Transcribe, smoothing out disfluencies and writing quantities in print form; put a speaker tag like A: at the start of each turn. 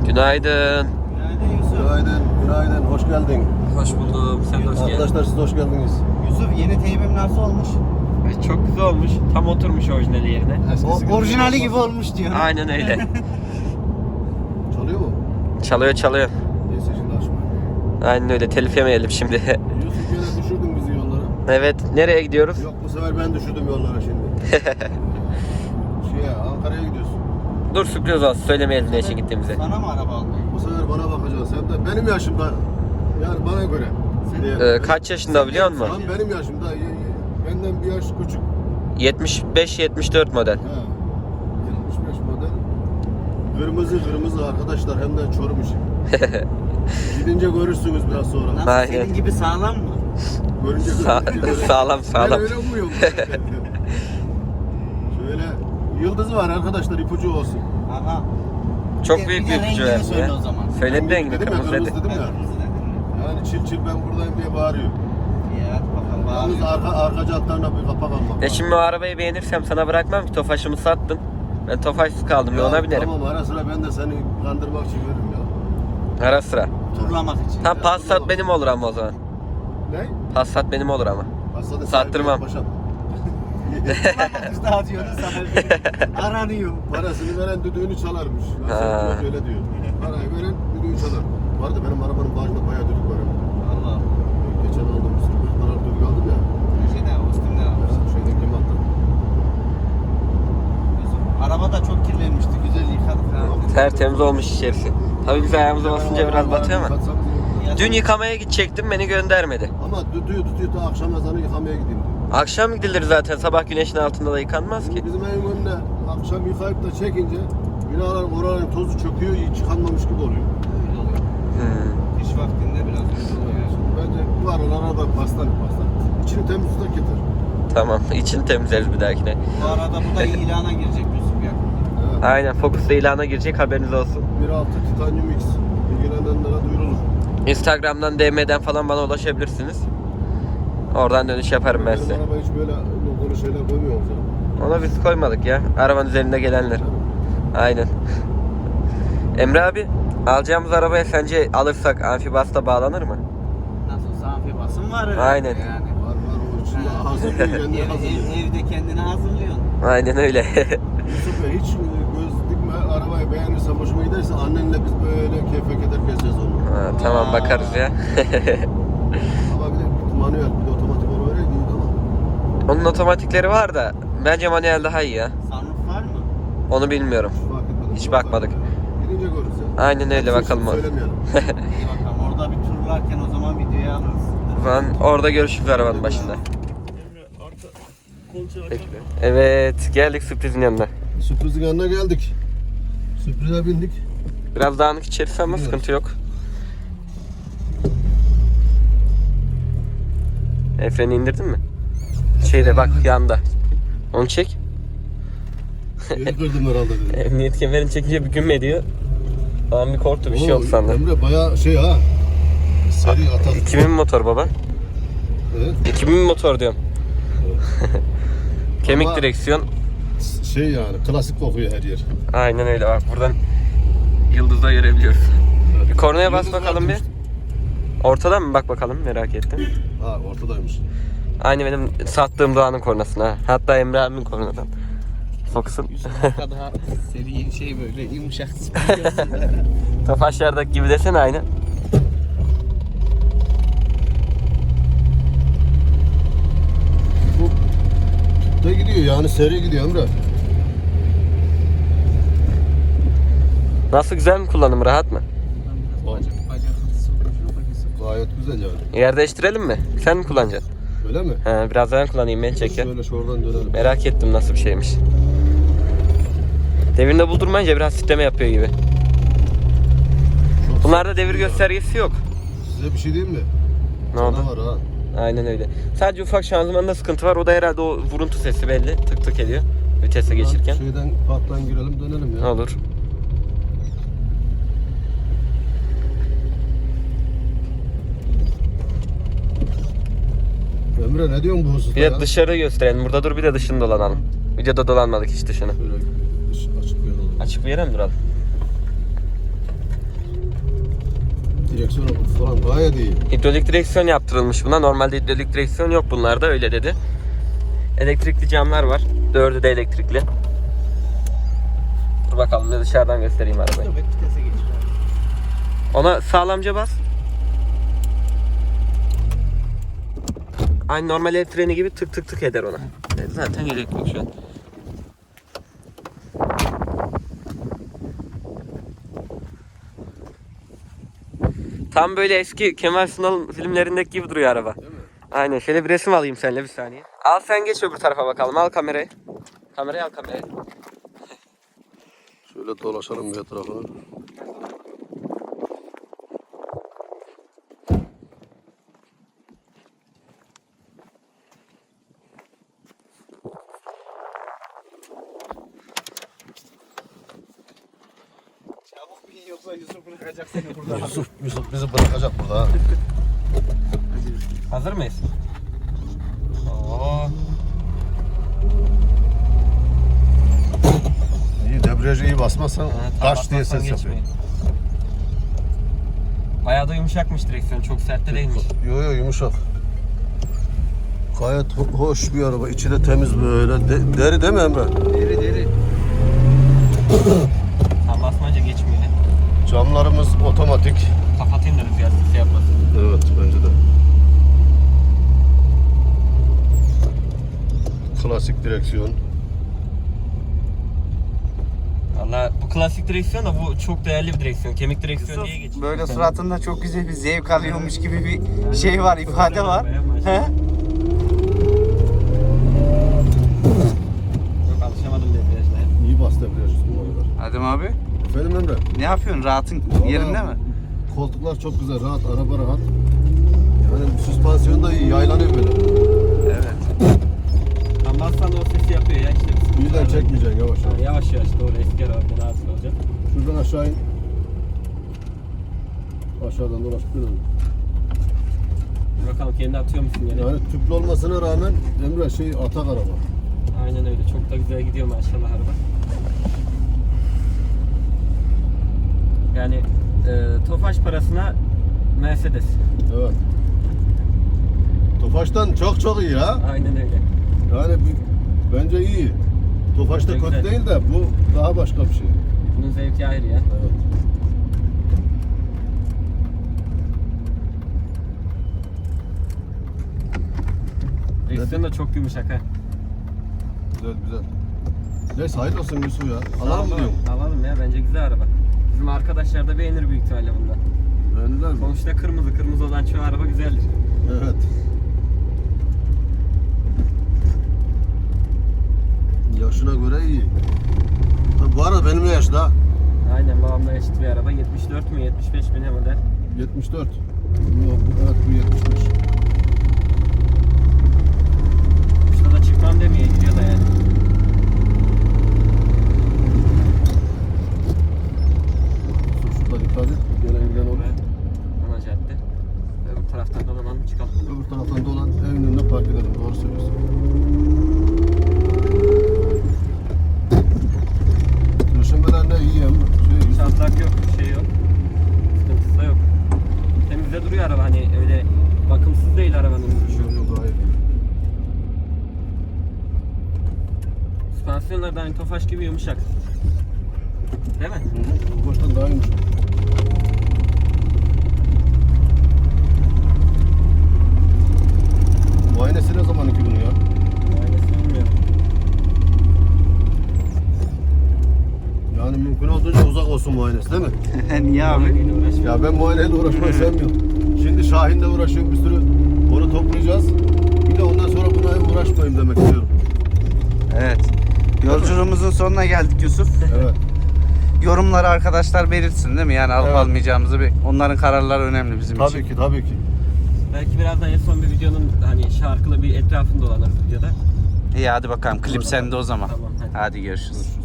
A: Günaydın.
B: Günaydın Yusuf.
C: Günaydın. Hoş geldin.
A: Hoş buldum. Sen de hoş geldin.
C: Arkadaşlar siz de hoş geldiniz.
B: Yusuf yeni teybim nasıl olmuş?
A: Çok güzel olmuş. Tam oturmuş orijinali yerine.
B: Orijinali gibi olmuş diyor.
A: Aynen öyle.
C: Çalıyor mu?
A: Çalıyor.
C: Neyse şimdi açma.
A: Aynen öyle. Telif yemeyelim şimdi.
C: Yusuf gene düşürdün bizi yollara.
A: Evet. Nereye gidiyoruz?
C: Yok bu sefer ben düşürdüm yollara şimdi. Ankara'ya gidiyorsun.
A: Dur sürpriz olsun. Söylemeyelim ne için gittiğimizi.
B: Sana mı araba almayı?
C: Bu sefer bana bakacağız. Hem de benim yaşımda. Yani bana göre.
A: Kaç yaşında biliyor musun?
C: Tam benim yaşımda. Benden bir yaş küçük.
A: 75-74 model.
C: He. 75 model. Kırmızı arkadaşlar hem de Çorum işi. Gidince görürsünüz biraz sonra.
B: Nasıl
A: Aynen.
B: senin gibi sağlam mı?
C: Görünce
A: Sağlam.
C: Ben öyle umuyorum. Şöyle yıldızı var arkadaşlar, ipucu olsun.
B: Aha.
A: Çok büyük bir ipucu
B: rengini
A: verdi
B: söyle
A: ya.
B: o zaman.
A: Söyledi rengini,
C: Dedim ya,
A: kırmızı dedi.
C: dedim ya.
B: Kırmızı dedin mi?
C: Yani çil ben buradayım diye bağırıyor.
B: İyi hadi bakalım.
C: Yalnız arka jantlarına bir kapak almak.
A: Şimdi o arabayı beğenirsem sana bırakmam ki. Tofaş'ımı sattın. Ben Tofaş'sız kaldım. Ya ona binerim.
C: Tamam, ara sıra ben de seni kandırmak için veririm ya.
A: Ara sıra.
B: Turlamak için.
A: Tam Passat benim olur ama o zaman.
C: Ne?
A: Passat benim olur ama.
C: Hastanede
A: Sattırmam.
C: Paşam.
B: Biz dağıtıyoruz sana bir aranıyor.
C: Parasını veren düdüğünü çalarmış.
A: Ha.
C: Nasıl öyle diyor. Parayı veren düdüğü çalar. Vardı benim arabanın bağcında bayağı düdük var.
B: Allah.
C: Geçen aldım bir sürü 40 liralık düdük aldım ya.
B: Şeyde Ostim'de almış.
C: Şeyden kim attı?
B: Yusuf, araba da çok kirlenmişti. Güzel yıkadık ha.
A: Tertemiz olmuş içerisi. Tabii biz ayağımıza basınca biraz batıyor ama.
C: Yıkatsanız iyi olur.
A: Dün yıkamaya gidecektim, beni göndermedi.
C: Ama düdüğü tutuyor da akşam ezanı yıkamaya gideyim diyor.
A: Akşam gidilir zaten, sabah güneşin altında da yıkanmaz ki.
C: Bizim evin önüne akşam yıkayıp da çekince binalar oraların tozu çöküyor, hiç yıkanmamış gibi oluyor.
B: Öyle oluyor. Kış vaktinde biraz öyle oluyor.
C: Bence bu aralara da pastan. İçini temiz tutak yeter.
A: Tamam, içini temizleriz bir dahakine.
B: Bu arada bu da ilana girecek Yusuf ya.
C: Evet.
A: Aynen, Focus'ta ilana girecek, haberiniz olsun.
C: 1.6 Titanium X. İlgilenenlere duyurulur.
A: Instagram'dan, DM'den falan bana ulaşabilirsiniz. Oradan dönüş yaparım ben size.
C: Benim araba hiç böyle logolu şeyler koymuyor musun?
A: Ona biz koymadık ya, arabanın üzerinde gelenler. Aynen. Emre abi, alacağımız arabaya sence alırsak amfibasta bağlanır mı?
B: Nasılsa amfibasın var.
A: Aynen.
B: Yani.
C: Var o içinde hazırlıyor, kendini hazırlıyor.
B: Evde kendini hazırlıyorsun.
A: Aynen öyle.
C: Yusuf Bey hiç göz dikme, arabayı beğenirsen, hoşuma giderse annenle biz böyle keyfe keder gezeceğiz onu.
A: Ha, tamam, bakarız ya.
C: Ama bir de manuel, bir de otomatik onu öyle değil ama.
A: Onun otomatikleri var da bence manuel daha iyi ya.
B: Sunroof var mı?
A: Onu bilmiyorum.
C: Fark etmedim.
A: Hiç bakmadık.
C: Gidince görürüz ya.
A: Aynen öyle, bakalım.
C: Söylemeyelim.
B: İyi bakalım. Orada bir turlarken o zaman videoyu alırız.
A: O zaman orada görüşürüz arabanın başında. Bekle. Evet, geldik sürprizin yanına.
C: Sürprizin yanına geldik. Sürprize bindik.
A: Biraz dağınık içerisi ama sıkıntı yok. Freni indirdin mi? Şeyde bak, yanda. Onu çek.
C: Yeni kırdım herhalde dedim.
A: Emniyet kemerini çekince bir gün ediyor. Ben bir korktu, bir şey oldu sandım.
C: Emre bayağı şey ha. Seri atar.
A: 2000 motor baba.
C: Evet.
A: 2000 motor diyorum. Kemik
C: Ama-
A: direksiyon.
C: Şey yani klasik kokuyor her yer.
A: Aynen öyle, bak buradan yıldızda görebiliyoruz.
C: Evet.
A: Bir kornaya bas
C: Yıldız
A: bakalım bir.
C: varmış.
A: Ortadan mı, bak bakalım, merak ettim.
C: Ha ortadaymış.
A: Aynı benim sattığım Doğan'ın kornasına. Hatta Emre abimin kornadan. Focus'un.
B: Yusuf'ta daha seri şey böyle yumuşak.
A: Tofaşlardaki gibi desene, aynı.
C: Bu da gidiyor yani seri gidiyor Emre.
A: Nasıl, güzel mi kullanım, rahat mı?
C: Gayet güzel yani.
A: Yer değiştirelim mi? Sen mi kullanacaksın?
C: Öyle mi?
A: He, biraz ben kullanayım, beni çek ya.
C: Şöyle şuradan dönelim.
A: Merak ettim nasıl bir şeymiş. Devirinde buldurmayınca biraz titreme yapıyor gibi.
C: Çok
A: Bunlarda
C: sert
A: devir
C: gidiyor.
A: göstergesi yok.
C: Size bir şey diyeyim mi?
A: Ne oldu?
C: Var ha.
A: Aynen öyle. Sadece ufak şanzımanda sıkıntı var. O da herhalde o vuruntu sesi belli. Tık tık ediyor. Vitese geçirken.
C: Şeyden parktan girelim dönelim ya.
A: Olur.
C: Emre ne diyorsun bu hususta
A: Bir
C: ya?
A: de dışarı gösterelim. Burada dur, bir de dışını dolanalım. Videoda dolanmadık hiç dışını.
C: Şöyle açık bir yol.
A: Açık bir yere mi duralım?
C: direksiyonu falan gayet iyi.
A: Hidrolik direksiyon yaptırılmış buna. Normalde hidrolik direksiyon yok bunlarda, öyle dedi. Elektrikli camlar var. 4'ü de elektrikli. Dur bakalım, ne dışarıdan göstereyim arabayı.
B: Vitese geç.
A: Ona sağlamca bas. Aynı normal el freni gibi tık tık tık eder ona. Zaten gerek yok şu an. Tam böyle eski Kemal Sunal filmlerindeki gibi duruyor araba.
C: Değil mi?
A: Aynen. Şöyle bir resim alayım seninle, bir saniye. Al sen, geç öbür tarafa bakalım. Al kamerayı. Kamerayı al, kamerayı.
C: Şöyle dolaşalım bir etrafa.
B: Çabuk bin yoksa Yusuf bırakacak seni burada.
C: Yusuf bizi bırakacak burada ha.
A: Hazır mıyız? Oo.
C: İyi, debriyajı iyi basmazsan kaç diye ses yapıyor.
A: geçmeyin. Bayağı da yumuşakmış direksiyon. Çok sert de değilmiş.
C: Yo yumuşak. Gayet hoş bir araba. İçi de temiz böyle. Deri değil mi Emre?
B: Deri.
A: Tam basmayınca geçmiyor.
C: Camlarımız otomatik.
A: Kapatayım da rüzgar sesi yapmasın.
C: Evet bence de. Klasik direksiyon.
A: Valla bu klasik direksiyon da bu çok değerli bir direksiyon. Kemik direksiyon diye geçiyor.
B: Böyle suratında çok güzel bir zevk alıyormuş gibi bir şey var, ifade var. He?
A: Yok, alışamadım debriyajına.
C: İyi bas debriyaj bu aralar.
B: Adem abi,
C: Efendim Emre?
B: ne yapıyorsun? Rahatın yerinde mi?
C: Koltuklar çok güzel, rahat, araba rahat. Yani süspansiyon da iyi, yaylanıyor böyle.
B: Evet.
A: Tam bassan da o sesi yapıyor ya işte.
C: Birden çekmeyeceksin yavaş yavaş.
A: Yavaş yavaş doğru, eski araba rahatsız olacak.
C: Şuradan aşağı in. Aşağıdan dolaşıp dönelim.
A: Bir bakalım kendi atıyor musun yine?
C: Yani tüplü olmasına rağmen Emre atak araba.
A: Aynen öyle. Çok da güzel gidiyor maşallah araba. Yani Tofaş parasına Mercedes.
C: Evet. Tofaş'tan çok iyi ha.
A: Aynen öyle.
C: Yani bence iyi. Tofaş'ta
A: Güzel,
C: kötü
A: güzel.
C: değil de bu daha başka bir şey.
A: Bunun zevki ayrı ya.
C: Evet.
A: Direksiyon da çok yumuşak ha.
C: Güzel. Neyse hayırlı olsun Yusuf ya. Alalım mı diyorum?
A: Alalım ya, bence güzel araba. Bizim arkadaşlar da beğenir büyük ihtimalle bunda.
C: Beğendiler mi?
A: Sonuçta kırmızı olan çoğu araba güzeldir.
C: Evet. Yaşına göre iyi. Tabii bu arada benimle yaşlı.
A: Aynen, babamla eşit bir araba. 74 mü 75 mi ne model?
C: 74. Yok, evet bu 75.
A: Şurada da çıkmam demiyor, gidiyor da yani.
C: Şurada dikkat et. Gelen giden olur.
A: Ana cadde. Öbür taraftan dolanalım çıkalım.
C: Öbür taraftan dolan evin önüne park edelim. Doğru söylüyorsun. Döşemeler ne iyi hem.
A: Çatlak yok, bir şey yok. Sıkıntısı da yok. Temizde duruyor araba, hani öyle bakımsız değil arabanın duruşu.
C: Yok hayır.
A: Süspansiyonlar da hani Tofaş gibi yumuşak. Değil mi?
C: Bu baştan daha iyiymiş. Muayenesi ne zaman ki bunun ya?
A: Aynısını bilmiyorum.
C: Yani mümkün olduğunca uzak olsun muayenesi değil mi?
B: Niye abi?
C: Ya ben muayeneyle uğraşmayı sevmiyorum. Şimdi Şahin'le uğraşıyorum, bir sürü onu toplayacağız. Bir de ondan sonra buna uğraşmayayım demek istiyorum.
B: Evet. Yolculuğumuzun sonuna geldik Yusuf.
C: Evet.
B: Yorumları arkadaşlar belirtsin değil mi? Yani alıp
C: Evet.
B: almayacağımızı onların kararları önemli bizim için.
C: Tabii ki.
A: Belki birazdan en son bir videonun hani şarkılı bir etrafında dolanırız videoda.
B: İyi hadi bakalım klip sende o zaman.
A: Tamam, hadi.
B: Hadi görüşürüz.